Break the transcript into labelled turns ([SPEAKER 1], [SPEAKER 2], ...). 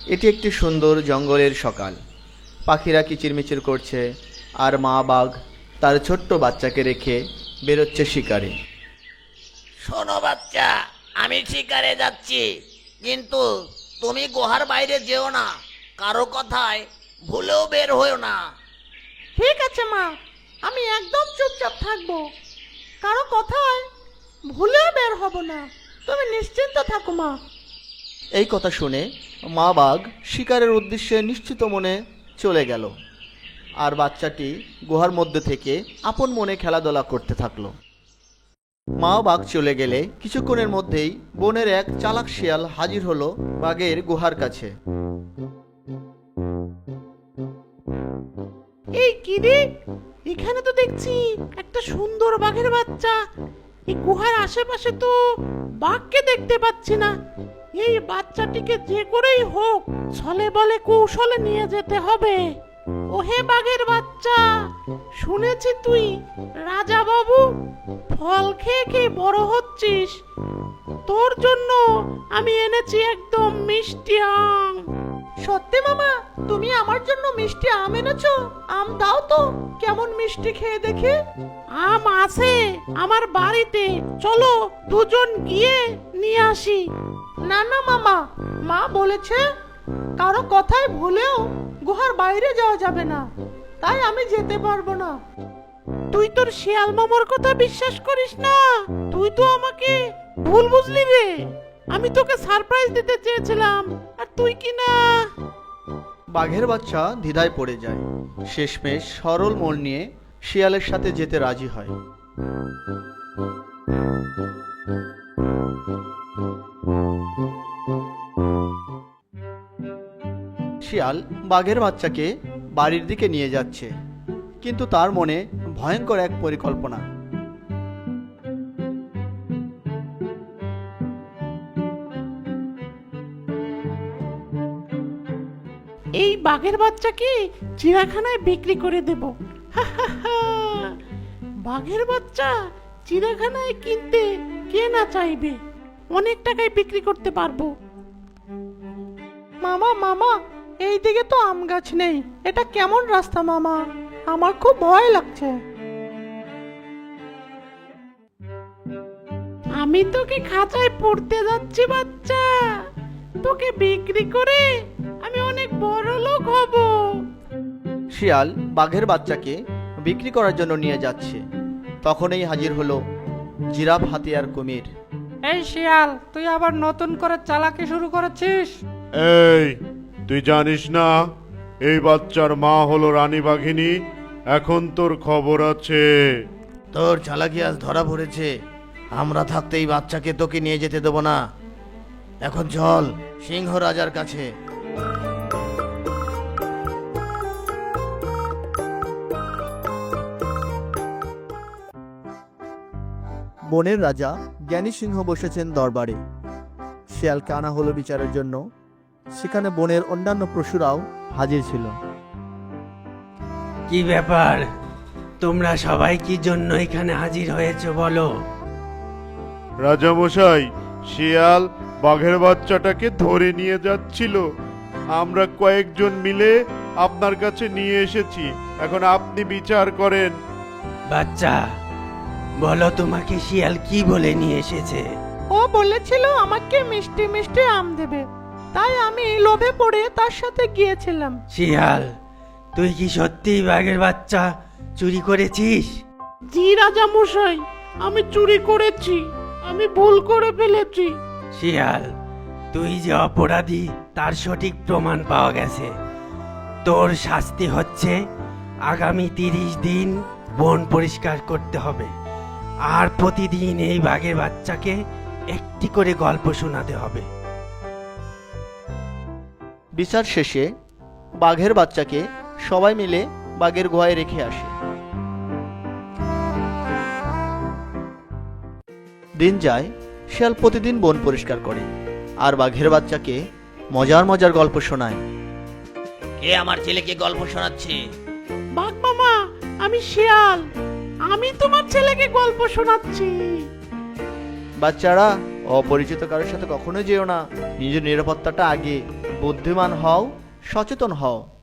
[SPEAKER 1] এটি একটি সুন্দর জঙ্গলের সকাল। পাখিরা কিচিরমিচির করছে, আর মা বাঘ তার ছোট্ট বাচ্চাকে রেখে বেরোচ্ছে শিকারে।
[SPEAKER 2] শোনো বাচ্চা, আমি শিকারে যাচ্ছি, কিন্তু তুমি গুহার বাইরে যেও না। কারো কথায় ভুলেও বের হয়েও না।
[SPEAKER 3] ঠিক আছে মা, আমি একদম চুপচাপ থাকবো, কারো কথায় ভুলে বের হব না। তুমি নিশ্চিন্ত থাকো মা।
[SPEAKER 1] এই কথা শুনে মা বাঘ শিকারের উদ্দেশ্যে নিশ্চিত মনে চলে গেল, আর বাচ্চাটি গুহার মধ্যে থেকে আপন মনে খেলাধুলা করতে থাকলো। মা বাঘ চলে গেলে কিছুক্ষণের মধ্যেই বনের এক চালাক শিয়াল হাজির হলো বাঘের গুহার কাছে।
[SPEAKER 3] এই কি রে, এখানে তো দেখছি একটা সুন্দর বাঘের বাচ্চা। এই গুহার আশেপাশে তো বাঘকে দেখতে পাচ্ছি না। এই বাচ্চাটিকে যে করেই হোক ছলে বলে কৌশলে নিয়ে যেতে হবে। ওহে বাঘের বাচ্চা, শুনেছি তুই রাজা বাবু ফল খেয়ে খেয়ে বড় হচ্ছিস। তোর জন্য আমি এনেছি একদম মিষ্টি আম। সত্যি মামা, তুমি আমার জন্য মিষ্টি আম এনেছো? আম দাও তো, কেমন মিষ্টি খেয়ে দেখে। আম আছে আমার বাড়িতে, চলো দুজন গিয়ে নিয়ে আসি। না না মামা, মা বলেছে কারো কথায় ভুলেও গুহার বাইরে যাওয়া যাবে না, তাই আমি যেতে পারবো না। তুই তোর শিয়াল মামার কথা বিশ্বাস করিস না? তুই তো আমাকে ভুল বুঝলি রে। আমি তোকে সারপ্রাইজ দিতে চেয়েছিলাম, আর তুই কি না।
[SPEAKER 1] বাঘের বাচ্চা দ্বিধায় পড়ে যায়, শেষমেশ সরল মন নিয়ে শিয়ালের সাথে যেতে রাজি হয়। শিয়াল বাঘের বাচ্চাকে বাড়ির দিকে নিয়ে যাচ্ছে, কিন্তু তার মনে ভয়ঙ্কর এক পরিকল্পনা।
[SPEAKER 3] এই বাঘের বাচ্চাকে চিড়িয়াখানায় বিক্রি করে দেব। বাঘের বাচ্চা চিড়িয়াখানায় কিনতে কে না চাইবে, অনেক টাকায় বিক্রি করতে পারবো। মামা মামা, এই দিকে তো আম গাছ নেই, এটা কেমন রাস্তা মামা? আমার খুব ভয় লাগছে। আমি তোকে খাঁচায় পড়তে যাচ্ছি বাচ্চা, তোকে বিক্রি করে আমি অনেক বড় লোক হব।
[SPEAKER 1] শিয়াল বাঘের বাচ্চাকে বিক্রি করার জন্য নিয়ে যাচ্ছে, তখনই হাজির হলো জিরাফ, হাতি আর কুমির।
[SPEAKER 4] এই শিয়াল, তুই আবার নতুন করে চালাকি শুরু করেছিস?
[SPEAKER 5] এই, তুই জানিস না এই বাচ্চার মা হলো রানী বাঘিনী? এখন তোর খবর আছে।
[SPEAKER 2] তোর চালাকি আজ ধরা পড়েছে। আমরা থাকতে এই বাচ্চাকে তোকে নিয়ে যেতে দেবো না। এখন চল সিংহ রাজার কাছে।
[SPEAKER 1] বনের রাজা জ্ঞানী সিংহ বসেছেন দরবারে। শিয়ালকে আনা হলো বিচারের জন্য। সেখানে বনের অন্যান্য পশুরাও হাজির ছিল।
[SPEAKER 6] কি ব্যাপার, তোমরা সবাই কি জন্য এখানে হাজির হয়েছে বলো?
[SPEAKER 5] রাজামশাই, শিয়াল বাঘের বাচ্চাটাকে ধরে নিয়ে যাচ্ছিল। আমরা কয়েকজন মিলে আপনার কাছে নিয়ে এসেছি, এখন আপনি বিচার করেন।
[SPEAKER 6] বাচ্চা, বলো তোমাকে শিয়াল কি বলে নিয়ে এসেছে?
[SPEAKER 3] ও বলেছিল আমাকে মিষ্টি মিষ্টি আম দেবে, তাই আমি লোভে পড়ে তার সাথে গিয়েছিলাম।
[SPEAKER 6] শিয়াল, তুই কি সত্যিই বাঘের বাচ্চা চুরি করেছিস?
[SPEAKER 3] জি রাজা মশাই, আমি চুরি করেছি, আমি ভুল করে ফেলেছি।
[SPEAKER 6] শিয়াল, তুই যে অপরাধী তার সঠিক প্রমাণ পাওয়া গেছে। তোর শাস্তি হচ্ছে আগামী 30 দিন বন পরিষ্কার করতে হবে, আর প্রতিদিন এই বাঘের বাচ্চাকে একটি করে গল্প শোনাতে হবে।
[SPEAKER 1] বিচার শেষে বাঘের বাচ্চাকে সবাই মিলে বাঘের গুহায় রেখে আসে। দিন যায়, শিয়াল প্রতিদিন বন পরিষ্কার করে, আর বাঘের বাচ্চাকে মজার মজার গল্প শোনায়।
[SPEAKER 2] কে আমার ছেলেকে গল্প শোনাচ্ছে?
[SPEAKER 3] বাঘ মামা, আমি শিয়াল, আমি তোমার ছেলেকে গল্প শোনাচ্ছি।
[SPEAKER 1] বাচ্চারা, অপরিচিত কারোর সাথে কখনো যেও না, নিজের নিরাপত্তাটা আগে। বুদ্ধিমান হও, সচেতন হও।